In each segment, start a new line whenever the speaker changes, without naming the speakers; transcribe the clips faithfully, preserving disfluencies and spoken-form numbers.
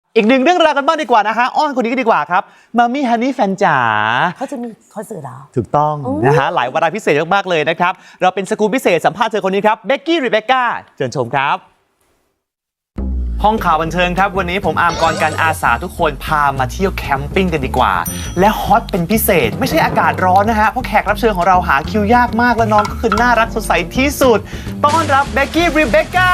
อีกหนึ่งเรื่องราวกันบ้างดีกว่านะคะอ้อนคนนี้ก็ดีกว่าครับมามี่ฮันนี่แฟนจ๋า
เขาจะมีคอนเสิร์ตเหรอ
ถูกต้องนะฮะหลายวาระพิเศษมากๆเลยนะครับเราเป็นสกู๊ปพิเศษสัมภาษณ์เธอคนนี้ครับเบกกี้รีเบคก้าเชิญชมครับห้องข่าวบันเทิงครับวันนี้ผมอาร์มกรกันอาสาทุกคนพามาเที่ยวแคมปิ้งกันดีกว่าและฮอตเป็นพิเศษไม่ใช่อากาศร้อนนะฮะเพราะแขกรับเชิญของเราหาคิวยากมากและน้องก็คือน่ารักสดใสที่สุดต้อนรับเบกกี้รีเบคก้า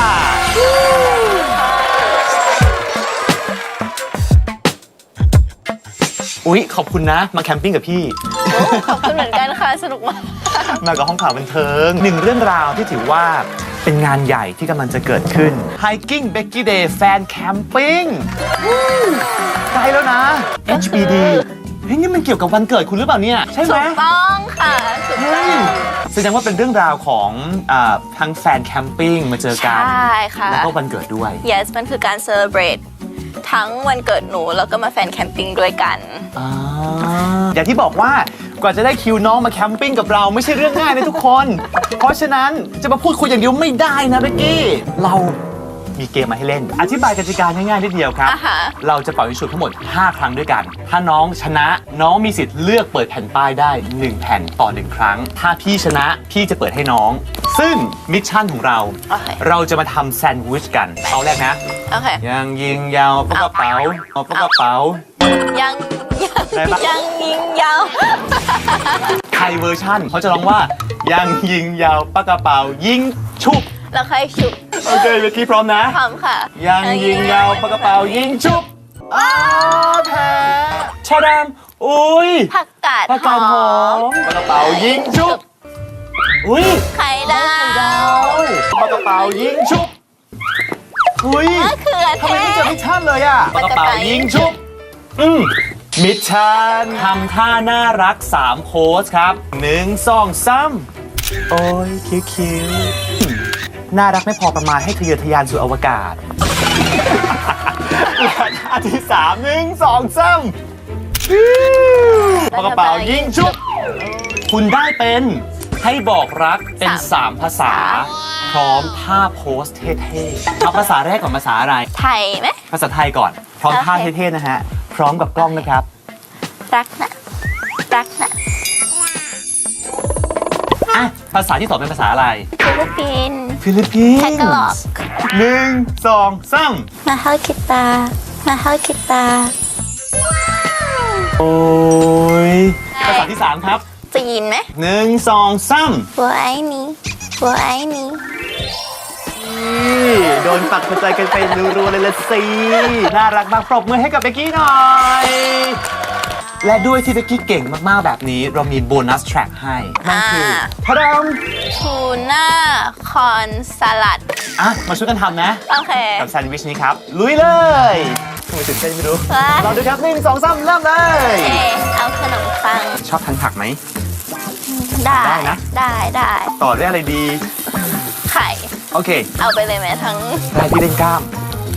อุ๊ยขอบคุณนะมาแคมปิ้งกับพี่
ขอบคุณเหมือนกันค่ะสนุกมาก
มากับห้องข่าวบันเทิงหนึ่งเรื่องราวที่ถือว่าเป็นงานใหญ่ที่กำลังจะเกิดขึ้น Hiking Becky Day Fan Camping ใกล้แล้วนะ เอช บี ดี เฮ้ยนี่มันเกี่ยวกับวันเกิดคุณหรือเปล่าเนี่ยใช่ไหม
ถูกต้องค่ะถูกต้อง
แสดงว่าเป็นเรื่องราวของทั้งแฟนแคมปิ้งมาเจอกัน
ใช่ค่ะ
แล้วก็วันเกิดด้วย
yes มันคือการ celebrate ทั้งวันเกิดหนูแล้วก็มาแฟนแคมปิ้งด้วยกัน
อย่างที่บอกว่ากว่าจะได้คิวน้องมาแคมปิ้งกับเราไม่ใช่เรื่องง่ายนะทุกคน เพราะฉะนั้นจะมาพูดคุยอย่างเดียวไม่ได้นะเบกกี้เรามีเกมมาให้เล่นอธิบายกติกาง่ายๆนิดเดียวครับ
uh-huh.
เราจะเป่ายิงฉุบทั้งหมดห้าครั้งด้วยกันถ้าน้องชนะน้องมีสิทธิ์เลือกเปิดแผ่นป้ายได้หนึ่งแผ่นต่อหนึ่งครั้งถ้าพี่ชนะพี่จะเปิดให้น้องซึ่งมิชชั่นของเรา
okay.
เราจะมาทำแซนด์วิชกันเอาแรกนะ
okay.
ยังยิงยาวปากกระเป๋าเอาปากกระเป๋า
ยังยังยังยิงยาว
ไทยเวอร์ชั่นเขาจะร้องว่ายังยิงยาวปากกระเป๋ายิงชุบ
แล้วใครชุบ
โอเคเบกกี้พร้อมนะ
พร้อมค่ะ
ยังยิงยาวปากกระเป๋ายิงชุบอ้าวแพ้ชาดามอุ้ย
ผักกาด
ผักกาดหอมปากกระเป๋ายิงชุบอุ้ย
ไข่ดาว
ปากกระเป๋ายิงชุบอุ้ย
มะเขือเทศ
ทำไมไม่เจอมิชชั่นเลยอะปากกระเป๋ายิงชุบอืมมิชชั่นทำท่าน่ารักสามโพสครับหนึ่งสองสามโอ้ยคิ้วๆน่ารักไม่พอประมาณให้ทะเยอทะยานสู่อวกาศและท่าที่สามหนึ่งสองสามปากกระเป๋ายิงชุบคุณได้เป็นให้บอกรักเป็นสามภาษาพร้อมท่าโพสเท่ๆเอาภาษาแรกก่อนภาษาอะไร
ไทยไหม
ภาษาไทยก่อนพร้อมท่าเท่ๆนะฮะพร้อมกับกล้องนะครับ
รักนะรักนะ
อ่ะภาษาที่สองเป็นภาษาอะไร
ฟิลิปปินส์
ฟิลิปปินส์
แทกล็อก
หนึ่งสองสาม
มาฮาคิตามาฮาคิตา
โอ้ยภาษาที่สามครับ
จีนไหม
หนึ่งสองสาม
หัวไอ้นี้หัวไอ้นี้
โดนปักหัวใจกันไปรัวๆเลยละสิน่ารักมากปรบมือให้กับเบกกี้หน่อยและด้วยที่เบกกี้เก่งมากๆแบบนี้เรามีโบนัสแทร็กให้นั่นคือพะดม
ทูน่าคอนสลัด
อ่ะมาช่วยกันทำนะ
โอเค
กับแซนด์วิชนี้ครับลุยเลยทำไมตื่นเต้นไม่รู้เราดูครับหนึ่งสองสามเริ่มเลย
เอาขนมปัง
ชอบทานผักไหม
ได้ได้นะได้ได้
ต่อด้วยอะไรดี
ไข่
โอเค
เอาไปเลยไหมทั้ง
ได้ที่เล่นกล้าม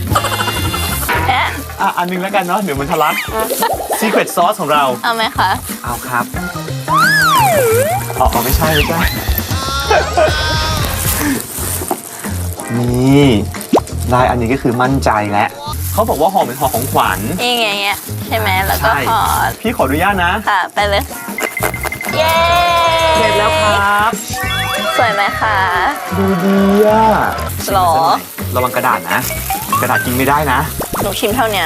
อ่ะอันนึงแล้วกันเนาะเดี๋ยวมันทะลัก Secret Sauce ของเรา
เอาไหมคะ
เอาครับอ๋อไม่ใช่ไม่ใช่นี่ได้อันนี้ก็คือมั่นใจแล้วเขาบอกว่าห่อเป็นห่อของขวัญ
อย่างเงี้ยใช่ไหมแล้วก็ห่อ
พี่ขออนุญาตนะ
ค่ะไปเลยเย้
เสร็จแล้วครับ
สวยไหมคะ
ดูดีอ่ะ
หรอ
ระวังกระดาษนะกระดาษกินไม่ได้นะ
หนูชิมเท่านี้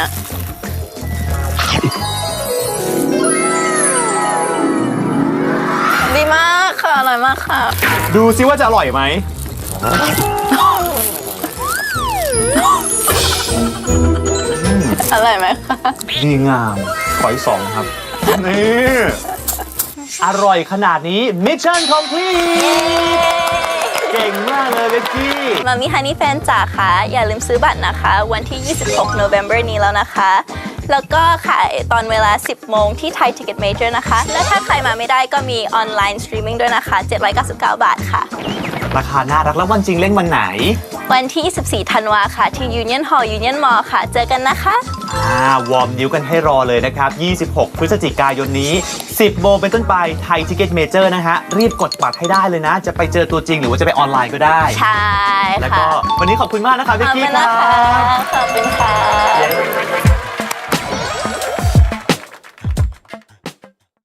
ดีมากค่ะอร่อยมากค่ะ
ดูซิว่าจะอร่อยไหม
อร่อยไหมคะ
ดีงามขออีกสองครับนี่อร่อยขนาดนี้ Mission Complete เก่งมากเลยเบกกี้
มามิฮันนี่แฟนจ๋าค่ะอย่าลืมซื้อบัตรนะคะวันที่ยี่สิบหก November นี้แล้วนะคะแล้วก็ขายตอนเวลาสิบโมงที่ Thai Ticket Major นะคะและถ้าใครมาไม่ได้ก็มีออนไลน์สตรีมมิ่งด้วยนะคะเจ็ดร้อยเก้าสิบเก้าบาทค่ะ
ราคาน่ารักแล้ววันจริงเล่นวันไหน
วันที่ยี่สิบสี่ธันวาค่ะที่ Union Hall Union Mall ค่ะเจอกันนะคะ
อ่าวอร์มนิ้วกันให้รอเลยนะครับยี่สิบหกพฤศจิกายนนี้สิบโมงเป็นต้นไป Thai Ticket Major นะฮะรีบกดบัตรให้ได้เลยนะจะไปเจอตัวจริงหรือว่าจะไปออนไลน์ก็ได้
ใช่ค่ะ
แล้วก็วันนี้ขอบคุณมากนะคะเบกกี้
ค่ะขอบคุณค่ะ